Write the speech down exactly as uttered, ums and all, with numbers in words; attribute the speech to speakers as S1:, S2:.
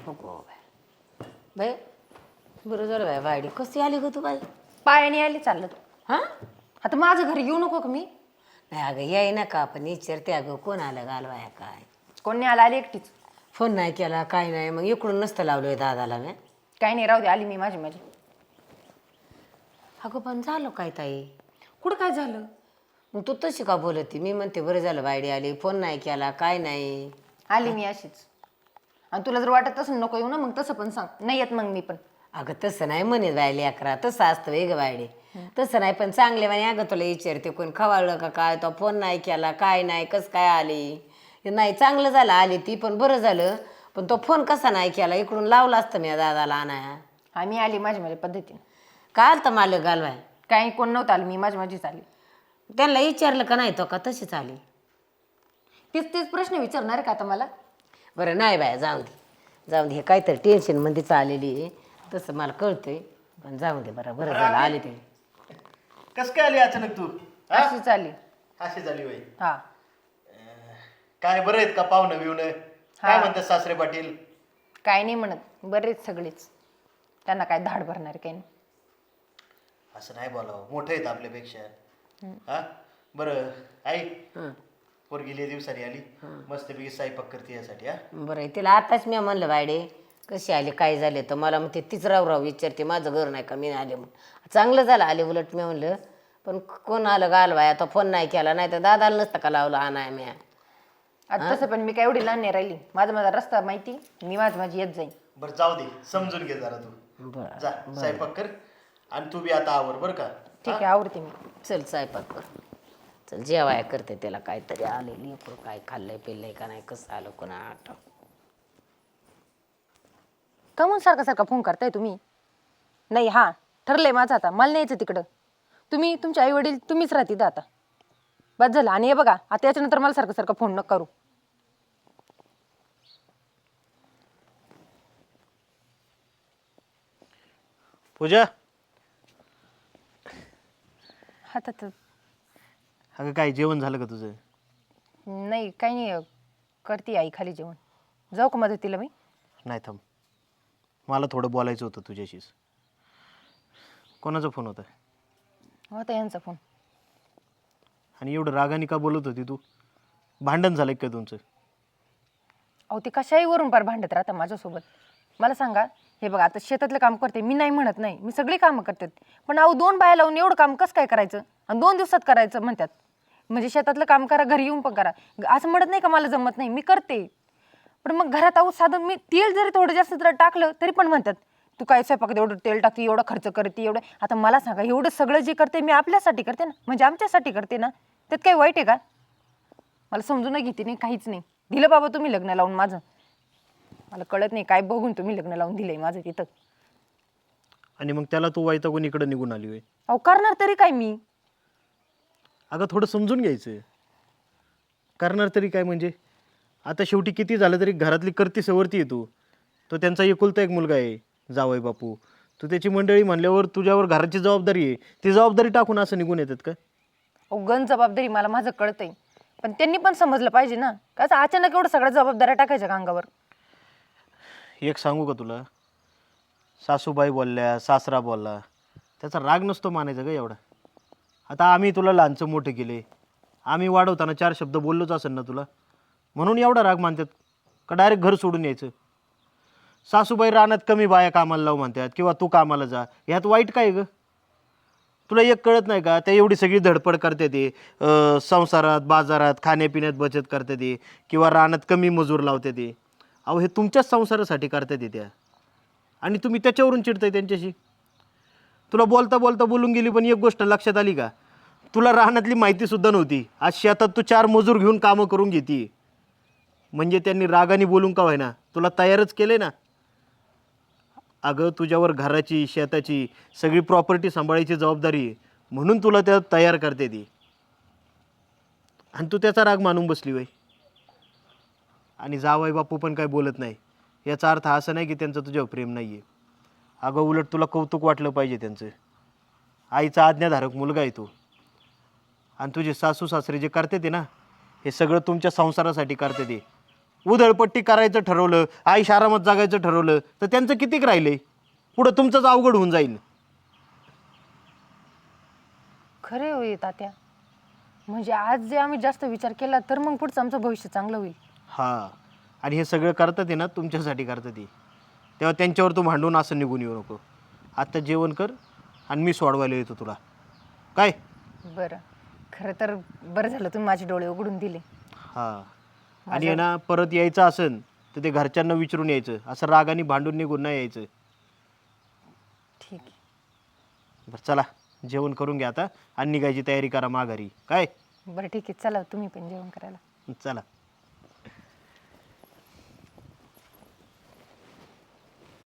S1: हो bye bye बरं झालं बाय वाडी कशी आली ग तू बाई
S2: पायाने आली चाललं
S1: हां
S2: आता माझं घरी येऊ नको का मी
S1: नाही अगं याय ना का आपण विचारते अगं कोण आलं घालवाया काय
S2: कोणी आला आली एकटीच
S1: फोन नाही केला काय नाही मग इकडून नसतं लावलं दादाला मी
S2: काही नाही राहू दे आली मी माझी माझी
S1: अगं पण झालं काय ताई
S2: कुठं काय झालं
S1: मग तू तशी का बोलती मी म्हणते बरं झालं बायडी आली फोन नाही केला काय नाही
S2: आली मी अशीच आणि तुला जर वाटत तसं नको येऊ ना मग तसं पण सांग नाही येत मग मी पण
S1: अगं तसं नाही म्हणे बायली अकरा तसं असतं वेग बायडे तसं नाही पण चांगले म्हणे अगं तुला विचारते कोण खवाळलं का काय तो फोन नाही केला काय नाही कसं काय आली नाही चांगलं झालं आली ती पण बरं झालं पण तो फोन कसा नाही केला इकडून लावला असतं मी दादाला आणाया
S2: हा मी आली माझ्या माझ्या पद्धतीने
S1: काय आलं तर मालक घालवाय
S2: काही कोण नव्हतं आली मी माझी माझीच आली
S1: त्यांना विचारलं का नाही तो का तशीच आली
S2: तीच तेच प्रश्न विचारणार का आता मला
S1: बरं नाही बाया जाऊ दे जाऊ दे हे काहीतरी टेन्शनमध्येच आलेली आहे तसं मला कळतंय पण जाऊ दे बरं बरं झालं आले ते
S3: कस काय आली अचानक तू हा?
S2: अशीच आली
S3: अशी झाली वय
S2: हा
S3: काय बरं आहेत का पाहुणं बिवणं काय म्हणतात सासरे पाटील
S2: काय नाही म्हणत बरेच सगळेच त्यांना काय धाड भरणार काही नाही
S3: असं नाही बोलावं मोठं आहेत आपल्यापेक्षा हा बरं आई पोरगी लय दिवसांनी आली मस्तपैकी स्वयंपाक करते यासाठी हा
S1: बरं आहे तिला आताच मी म्हणलं बायडे कशी आली काय झाले तर मला मग ते तीच राव राव विचारते माझं घर नाही का मी आले म्हणून चांगलं झालं आले उलट मी म्हणलं पण कोण आलं घालवाय आता फोन नाही केला नाही तर दादाला नसतं का लावलं आणाय मी
S2: आता तसं पण मी काय एवढी लहान नाही राहिली माझा माझा रस्ता माहिती मी माझी माझी येत जाईन
S3: बरं जाऊ दे समजून घे जरा तू
S1: बरं
S3: जा स्वयंपाक कर आणि तू बी आता आवर बरं का
S2: ठीक आहे आवडते मी
S1: चल स्वयंपाक कर चल जेवाय करते त्याला काहीतरी आलेली काय खाल्लंय पिल्लंय का नाही कसं आलं कोणा आठ
S2: का म्हणून सारखा सारखा फोन करताय तुम्ही नाही हा ठरलंय माझं आता मला नाही यायचं तिकडं तुम्ही तुमचे आई वडील तुम्हीच राहतील आता बस झालं आणि हे बघा आता याच्यानंतर मला सारखं सारखं फोन नको करू
S3: पूजा
S2: हातात
S3: अगं काय जेवण झालं का तुझं
S2: नाही काही नाही करते आई खाली जेवण जाऊ का मदतीला मी
S3: नाही थांब मला थोडं बोलायचं होतं तुझ्याशीच कोणाचा फोन होता
S2: होता यांचा फोन
S3: आणि एवढं रागाने का बोलत होती तू भांडण झालंय का तुमचं
S2: अहो ते कशाही वरून पार भांडत राहता माझ्यासोबत मला सांगा हे बघा आता शेतातलं काम करते मी नाही म्हणत नाही मी सगळी कामं करते पण अहो दोन बाया लावून एवढं काम कसं काय करायचं आणि दोन दिवसात करायचं म्हणतात म्हणजे शेतातलं काम करा घरी येऊन पण करा असं म्हणत नाही का मला जमत नाही मी करते पण मग घरात अहो साधं मी तेल जरी थोडं जास्त जर टाकलं तरी पण म्हणतात तू काय स्वयंपाकात एवढं तेल टाकते एवढं खर्च करते एवढं आता मला सांगा एवढं सगळं जे करते मी आपल्यासाठी करते ना म्हणजे आमच्यासाठी करते ना त्यात काही वाईट आहे का मला समजून घेते नाही काहीच नाही दिलं बाबा तुम्ही लग्न लावून माझं मला कळत नाही काय बघून तुम्ही लग्न लावून दिलंय माझं तिथं
S3: आणि मग त्याला तू वैतागून इकडे निघून आली होय
S2: अहो करणार तरी काय मी
S3: अगं थोडं समजून घ्यायचं करणार तरी काय म्हणजे आता शेवटी किती झालं तरी घरातली करती सवरती आहे तू तो त्यांचा एकुलता एक मुलगा आहे जावई बापू तू त्याची मंडळी म्हणल्यावर तुझ्यावर घराची जबाबदारी आहे ती जबाबदारी टाकून असं निघून येतात का
S2: अहो गण जबाबदारी मला माझं कळतंय पण त्यांनी पण समजलं पाहिजे ना का असं अचानक एवढं सगळ्या जबाबदाऱ्या टाकायच्या का अंगावर
S3: एक सांगू का तुला सासूबाई बोलल्या सासरा बोलला त्याचा राग नसतो मानायचा का एवढा आता आम्ही तुला लहानचं मोठं केले आम्ही वाढवताना चार शब्द बोललोच असेल ना तुला म्हणून एवढा राग मानतात का डायरेक्ट घर सोडून यायचं सासूबाई रानात कमी बाया कामाला लावू म्हणतात किंवा तू कामाला जा ह्यात वाईट काय ग तुला एक कळत नाही का त्या एवढी सगळी धडपड करते ते संसारात बाजारात खाण्यापिण्यात बचत करते ते किंवा रानात कमी मजूर लावते ते अहो हे तुमच्याच संसारासाठी करतात ते त्या आणि तुम्ही त्याच्यावरून चिडताय त्यांच्याशी तुला बोलता बोलता बोलून गेली पण एक गोष्ट लक्षात आली का तुला रानातली माहितीसुद्धा नव्हती आज शेतात तू चार मजूर घेऊन कामं करून घेते म्हणजे त्यांनी रागाने बोलून का व्हायना तुला तयारच केले ना अगं तुझ्यावर घराची शेताची सगळी प्रॉपर्टी सांभाळायची जबाबदारी आहे म्हणून तुला त्या तयार करते ती आणि तू त्याचा राग मानून बसली वय आणि जावई बापू पण काय बोलत नाही याचा अर्थ असा नाही की त्यांचं तुझ्यावर प्रेम नाही आहे अगं उलट तुला कौतुक वाटलं पाहिजे त्यांचं आईचा आज्ञाधारक मुलगा आहे तो आणि तुझे सासू सासरे जे करते ते ना हे सगळं तुमच्या संसारासाठी करते ते उधळपट्टी करायचं ठरवलं, आईश आरामात जगायचं ठरवलं तर त्यांचं कितीक राहिलंय, पुढं तुमचंच अवघड होऊन जाईल.
S2: खरे होई तात्या, म्हणजे आज जे आम्ही जास्त विचार केला तर मग पुढचं आमचं भविष्य चांगलं होईल.
S3: हां, आणि हे सगळं करतात आहे ना तुमच्यासाठी करतात ते, तेव्हा त्यांच्यावर तू भांडून असं निघून येऊ नको. आत्ता जेवण कर आणि मी सोडवायला येतो तुला, काय?
S2: बरं, खरं तर बरं झालं तुम्ही माझे डोळे उघडून दिले.
S3: हां, आणि आहे ना परत यायचं असेल तर ते घरच्यांना विचारून यायचं, असं रागाने भांडून निघून नाही यायचं.
S2: ठीक आहे.
S3: बरं चला, जेवण करून घ्या आता आणि निघायची तयारी करा माघारी, काय?
S2: बरं ठीक आहे, चला तुम्ही पण जेवण करायला.
S3: चला.